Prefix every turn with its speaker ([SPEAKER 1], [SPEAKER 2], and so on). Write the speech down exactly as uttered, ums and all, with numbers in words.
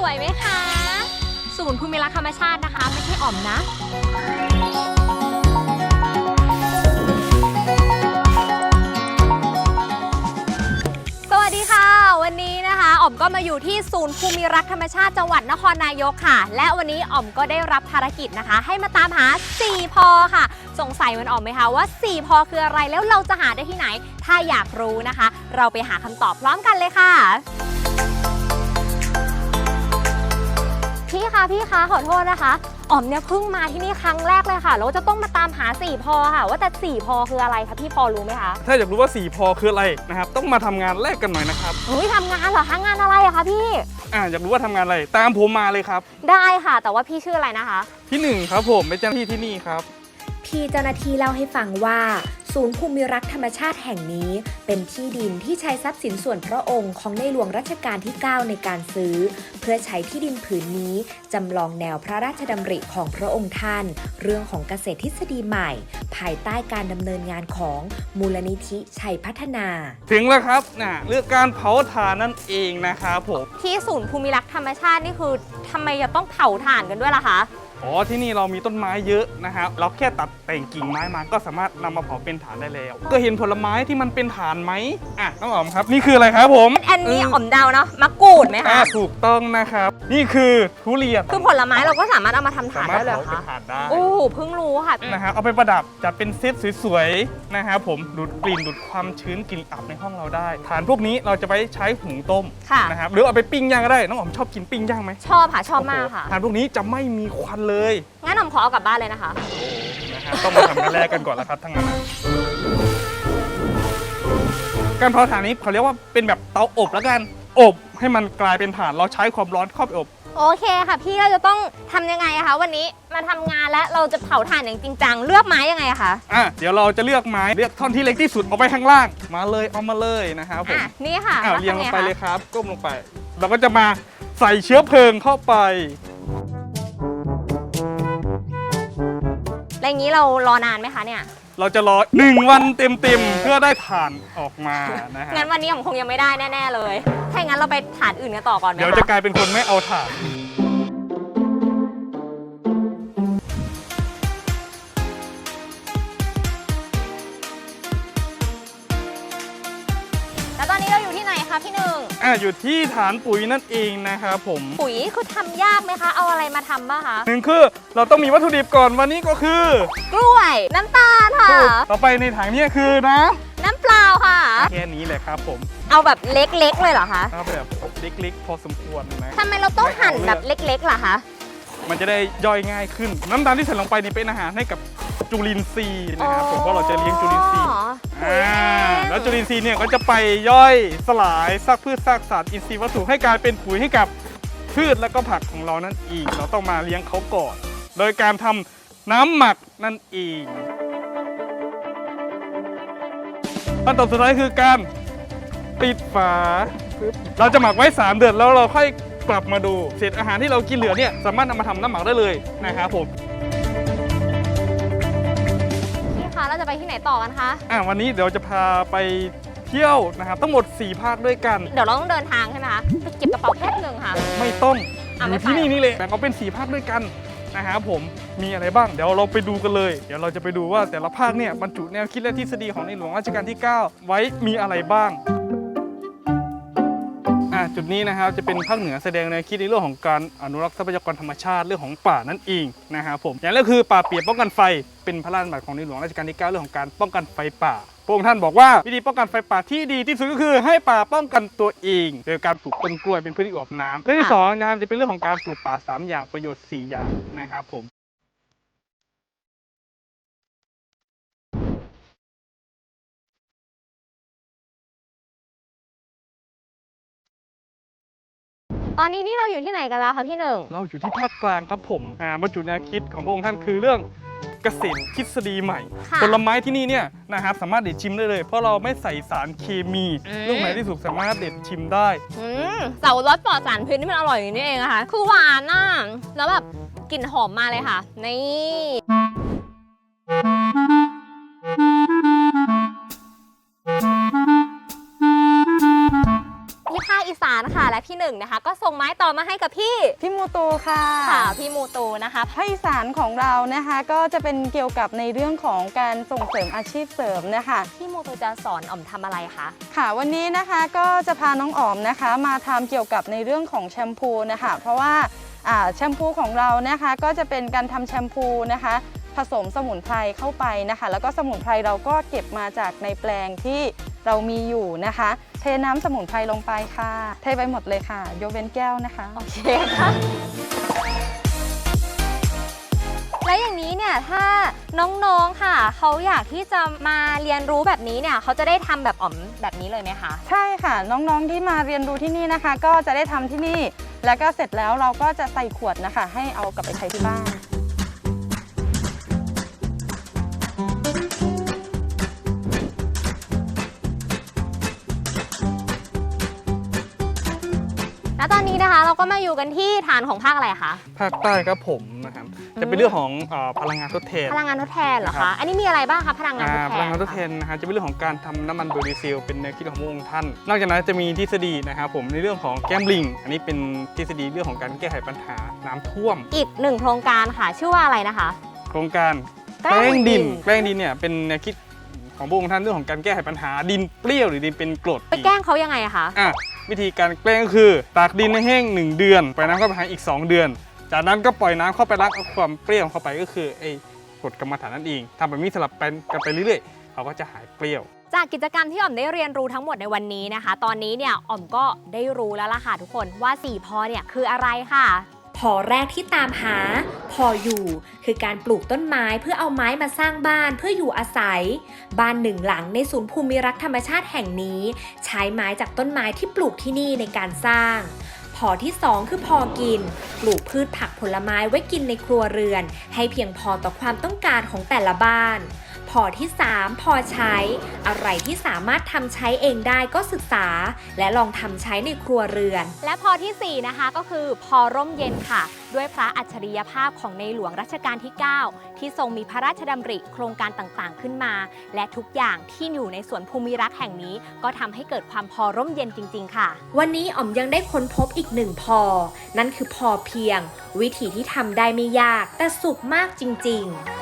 [SPEAKER 1] วยไหมคะศูนย์ภูมิรักธรรมชาตินะคะไม่ใช่อ่อมนะสวัสดีค่ะวันนี้นะคะอ๋อมก็มาอยู่ที่ศูนย์ภูมิรักธรรมชาติจังหวัดนครนายกค่ะและวันนี้อ๋อมก็ได้รับภารกิจนะคะให้มาตามหาสี่พอค่ะสงสัยมันอ๋อมไหมคะว่าสี่พอคืออะไรแล้วเราจะหาได้ที่ไหนถ้าอยากรู้นะคะเราไปหาคำตอบพร้อมกันเลยค่ะพี่คะพี่คะขอโทษนะคะอ๋อมเนี่ยเพิ่งมาที่นี่ครั้งแรกเลยค่ะแล้วจะต้องมาตามหาสี่พอค่ะว่าแต่สี่พอคืออะไรคะพี่พอรู้ไหมคะ
[SPEAKER 2] ถ้าอยากรู้ว่าสี่พอคืออะไรนะครับต้องมาทำงานแรกกันหน่อยนะครับ
[SPEAKER 1] เฮ้ยทำงานเหรอคะงานอะไรอะคะพี่
[SPEAKER 2] อ่าอยากรู้ว่าทำงานอะไรตามผมมาเลยครับ
[SPEAKER 1] ได้ค่ะแต่ว่าพี่ชื่ออะไรนะคะ
[SPEAKER 2] ที่หนึ่งครับผมเป็นเจ้าหน้าที่ที่นี่ครับ
[SPEAKER 3] พี่เจ้าหน้าที่เล่าให้ฟังว่าศูนย์ภูมิรักธรรมชาติแห่งนี้เป็นที่ดินที่ใช้ทรัพย์สินส่วนพระองค์ของในหลวงรัชกาลที่เก้าในการซื้อเพื่อใช้ที่ดินผืนนี้จำลองแนวพระราชดำริของพระองค์ท่านเรื่องของเกษตรทฤษฎีใหม่ภายใต้การดำเนินงานของมูลนิธิชัยพัฒนา
[SPEAKER 2] ถึงแล้วครับนะเรื่องการเผาถ่านนั่นเองนะครับผม
[SPEAKER 1] ที่ศูนย์ภูมิรักธรรมชาตินี่คือทำไมจะต้องเผาถ่านกันด้วยล่ะคะ
[SPEAKER 2] อ๋อที่นี่เรามีต้นไม้เยอะนะครับเราแค่ตัดแต่งกิ่งไม้มาก็สามารถนำมาเผาเป็นถ่านได้แล้วก็เห็นผลไม้ที่มันเป็นถ่านไหมอ่ะน้องอ๋อมครับนี่คืออะไรครับผม
[SPEAKER 1] อันนี้อ๋อมเดาเนาะมะกรูดไหมคะ
[SPEAKER 2] ถูกต้องนะครับนี่คือทุเรียน
[SPEAKER 1] คือผลไม้เราก็สามารถเอามาทำถ่านได้เลยค่ะโอ้เพิ่งรู้ค่ะ
[SPEAKER 2] นะครับเอาไปประดับจัดเป็นเซตสวยๆนะครับผมดูดกลิ่นดูดความชื้นกลิ่นอับในห้องเราได้ถ่านพวกนี้เราจะไปใช้หุงต้มนะครับหรือเอาไปปิ้งย่างก็ได้น้องอ๋อมชอบกินปิ้งย่างไหม
[SPEAKER 1] ชอบค่ะชอบมากค่ะ
[SPEAKER 2] ถ่านพวกนี้จะไม่มีควันเลย
[SPEAKER 1] งั้นอ๋อมขอเอากลับบ้านเลยนะคะ
[SPEAKER 2] นะครับต้องมาทำกันแรกกันก่อนแล้วครับทั้งนั้นการเผาถ่านนี้เขาเรียกว่าเป็นแบบเตาอบแล้วกันอบให้มันกลายเป็นถ่านเราใช้ความร้อนเข้าไปอบ
[SPEAKER 1] โอเคค่ะพี่เราจะต้องทำยังไงคะวันนี้มาทำงานและเราจะเผาถ่านอย่างจริงจังเลือกไม้ยังไงคะ
[SPEAKER 2] อ่ะเดี๋ยวเราจะเลือกไม้เลือกท่อนที่เล็กที่สุดเอาไปข้างล่างมาเลยเอามาเลยนะครับผม
[SPEAKER 1] นี่ค่ะ
[SPEAKER 2] อ่ะเรียงลงไปเลยครับก้มลงไปเราก็จะมาใส่เชื้อเพลิงเข้าไป
[SPEAKER 1] อะไรอย่างนี้เรารอนานไหมคะเนี่ย
[SPEAKER 2] เราจะรอหนึ่งวันเต็มๆเพื่อได้ถ่านออกมานะฮะ
[SPEAKER 1] งั้นวันนี้ผมคงยังไม่ได้แน่ๆเลยถ้าอย่างนั้นเราไปถ่านอื่นกันต่อก่อนไหม
[SPEAKER 2] เดี๋ยวจะกลายเป็นคนไม่เอาถ่าน
[SPEAKER 1] แล้วตอนนี้เราอยู่ที่ไหนคะพี่หนึ่ง
[SPEAKER 2] อ่ะอยู่ที่ฐานปุ๋ยนั่นเองนะครับผม
[SPEAKER 1] ปุ๋ยคือทำยากไหมคะเอาอะไรมาทำบ้างคะ
[SPEAKER 2] หนึ่งคือเราต้องมีวัตถุดิบก่อนวันนี้ก็คื
[SPEAKER 1] อกล้วยน้ำตาลค่ะ
[SPEAKER 2] ต่อไปในถังนี้คือน้
[SPEAKER 1] ำน้ำเปล่าค่ะ
[SPEAKER 2] แค่นี้แหละครับผม
[SPEAKER 1] เอาแบบเล็กๆเลยเหรอคะ
[SPEAKER 2] เอาแบบเล็กๆพอสมควรนะ
[SPEAKER 1] ทำไมเราต้องหั่นแบบเล็กๆล่ะคะ
[SPEAKER 2] มันจะได้ย่อยง่ายขึ้นน้ำตาลที่ใส่ลงไปนี่เป็นอาหารให้กับจุลินทรีย์นะครับผมเพราะเราจะเลี้ยงจุลินทรีย์อ่าแล้วจุลินทรีย์เนี่ยก็จะไปย่อยสลายซากพืชซากสัตว์อินทรีย์วัตถุให้กลายเป็นปุ๋ยให้กับพืชและก็ผักของเรานั่นเองเราต้องมาเลี้ยงเขาก่อนโดยการทำน้ำหมักนั่นเองขั้นตอนสุดท้ายคือการปิดฝาเราจะหมักไว้สามเดือนแล้วเราค่อยกลับมาดูเศษอาหารที่เรากินเหลือเนี่ยสามารถนำมาทำน้ำหมักได้เลยนะครับผม
[SPEAKER 1] พี่คะเราจะไปที่ไหนต่อกันคะ
[SPEAKER 2] อ่ะวันนี้เดี๋ยวจะพาไปเที่ยวนะครับทั้งหมดสี่ภาคด้วยกัน
[SPEAKER 1] เดี๋ยวเราต้องเดินทางใช่ไหมคะไปเก็บกระเป๋าแค่หนึ่งค่ะ
[SPEAKER 2] ไม่ต้องอยู่ที่นี่นี่เลยแต่เขาเป็นสี่ภาคด้วยกันนะครับผมมีอะไรบ้างเดี๋ยวเราไปดูกันเลยเดี๋ยวเราจะไปดูว่าแต่ละภาคเนี่ยบรรจุแนวคิดและทฤษฎีของในหลวงรัชกาลที่เก้าไว้มีอะไรบ้างจุดนี้นะครับจะเป็นภาคเหนือแสดงแนวคิดในเรื่องของการอนุรักษ์ทรัพยากรธรรมชาติเรื่องของป่านั่นเองนะครับผมอย่างแรกคือป่าเปียกป้องกันไฟเป็นพระราชบัญญัติของในหลวงรัชกาลที่เก้าเรื่องของการป้องกันไฟป่าพระองค์ท่านบอกว่าวิธีป้องกันไฟป่าที่ดีที่สุดก็คือให้ป่าป้องกันตัวเองโดยการปลูกต้นกล้วยเป็นพืชที่อวบน้ำเรื่องที่สองนะครับจะเป็นเรื่องของการปลูกป่าสามอย่างประโยชน์สี่อย่างนะครับผม
[SPEAKER 1] ตอนนี้นี่เราอยู่ที่ไหนกันแล้วคะพี่หนึ่ง
[SPEAKER 2] เราอยู่ที่ภาคกลางครับผมอ่าบรรจุแนวคิดของพระองค์ท่านคือเรื่องเกษตรทฤษฎีใหม่ผลไม้ที่นี่เนี่ยนะครับสามารถเด็ดชิมได้เลยเพราะเราไม่ใส่สารเคมีลูกไหนที่สุกสามารถเด็ดชิมได้
[SPEAKER 1] เสารสปลอดสารพิษนี่มันอร่อยอย่างนี้เองนะคะคือหวานน่ะแล้วแบบกลิ่นหอมมาเลยค่ะนี่ที่ภาคอีสานค่ะและพี่หนึ่งนะคะก็ส่งไม้ต่อมาให้กับพี่
[SPEAKER 4] พี่มูตูค่ะ
[SPEAKER 1] ค่ะพี่มูตูนะคะ
[SPEAKER 4] ภาคอีสานของเรานะคะก็จะเป็นเกี่ยวกับในเรื่องของการส่งเสริมอาชีพเสริมนะคะ
[SPEAKER 1] พี่มูตูจะสอนอ๋อมทำอะไรคะ
[SPEAKER 4] ค่ะวันนี้นะคะก็จะพาน้องอ๋อมนะคะมาทำเกี่ยวกับในเรื่องของแชมพูนะคะเพราะว่าอ่าแชมพูของเรานะคะก็จะเป็นการทำแชมพูนะคะผสมสมุนไพรเข้าไปนะคะแล้วก็สมุนไพรเราก็เก็บมาจากในแปลงที่เรามีอยู่นะคะเทน้ำสมุนไพรลงไปค่ะเทไปหมดเลยค่ะยกเว้นแก้วนะคะ
[SPEAKER 1] โอเคค่ะและอย่างนี้เนี่ยถ้าน้องๆค่ะเขาอยากที่จะมาเรียนรู้แบบนี้เนี่ยเขาจะได้ทำแบบอ๋อมแบบนี้เลยไหมคะ
[SPEAKER 4] ใช่ค่ะน้องๆที่มาเรียนรู้ที่นี่นะคะ ก็จะได้ทำที่นี่แล้วก็เสร็จแล้วเราก็จะใส่ขวดนะคะ ให้เอากลับไปใช้ที่บ้าน
[SPEAKER 1] แล้วตอนนี้นะคะเราก็มาอยู่กันที่ฐานของภาคอะไรคะ
[SPEAKER 2] ภาคใต้ครับผมนะครับจะเป็นเรื่องของเอ่อพลังงานทดแทน
[SPEAKER 1] พลังงานทดแทนเหรอ
[SPEAKER 2] ครั
[SPEAKER 1] คะ
[SPEAKER 2] บ
[SPEAKER 1] อันนี้มีอะไรบ้างคะพลังงานทด
[SPEAKER 2] อ่า
[SPEAKER 1] แทน
[SPEAKER 2] พลังงานทดแทนนะฮะจะเป็นเรื่องของการทำน้ำมันเบอร์ดีเซลเป็นแนวคิดของพระองค์ท่าน นอกจากนั้นจะมีทฤษฎีนะครับผมในเรื่องของแก้มลิง อันนี้เป็นทฤษฎีเรื่องของการแก้ไขปัญหาน้ำท่วม
[SPEAKER 1] อีกหนึ่งโครงการค่ะ ชื่อว่าอะไรนะคะ
[SPEAKER 2] โครงการ
[SPEAKER 1] แป้
[SPEAKER 2] แป้
[SPEAKER 1] ง
[SPEAKER 2] ง
[SPEAKER 1] ดิ
[SPEAKER 2] ดิ
[SPEAKER 1] น
[SPEAKER 2] น แป้งดินเนี่ยเป็นแนวคิดของพระองค์ท่านเรื่องของการแก้ไขปัญหาดินเปรี้ยวหรือดินเป็นกรด
[SPEAKER 1] ไปแกล้งเขายังไงอะคะ
[SPEAKER 2] อ่ะวิธีการแกล้งก็คือตากดินให้แห้งหนึ่งเดือนปล่อยน้ำเข้าไปหาอีกสองเดือน จากนั้นก็ปล่อยน้ำเข้าไปล้างเอาความเปรี้ยวเข้าไปก็คือไอ้กรดกรรมฐานนั่นเองทำแบบนี้สลับไปกันไปเรื่อยๆเขาก็จะหายเปรี้ยว
[SPEAKER 1] จากกิจกรรมที่อ๋อมได้เรียนรู้ทั้งหมดในวันนี้นะคะ ตอนนี้เนี่ยอ๋อมก็ได้รู้แล้วล่ะค่ะทุกคนว่าสี่พอเนี่ยคืออะไรค่ะ
[SPEAKER 3] พอแรกที่ตามหา พออยู่คือการปลูกต้นไม้เพื่อเอาไม้มาสร้างบ้านเพื่ออยู่อาศัย บ้านหนึ่งหลังในศูนย์ภูมิรักธรรมชาติแห่งนี้ ใช้ไม้จากต้นไม้ที่ปลูกที่นี่ในการสร้าง พอที่สองคือพอกิน ปลูกพืชผักผลไม้ไว้กินในครัวเรือน ให้เพียงพอต่อความต้องการของแต่ละบ้าน พอที่สามพอใช้ อะไรที่สามารถทำใช้เองได้ก็ศึกษา และลองทำใช้ในครัวเรือน
[SPEAKER 1] และพอที่สี่นะคะก็คือพอร่มเย็นค่ะ ด้วยพระอัจฉริยภาพของในหลวงรัชกาลที่ เก้า ที่ทรงมีพระราชดำริโครงการต่างๆขึ้นมา และทุกอย่างที่อยู่ในสวนภูมิรักแห่งนี้ ก็ทำให้เกิดความพอร่มเย็นจริงๆค่ะ
[SPEAKER 3] วันนี้อ๋อมยังได้ค้นพบอีกหนึ่งพอ นั่นคือพอเพียง วิธีที่ทำได้ไม่ยาก แต่สุขมากจริงๆ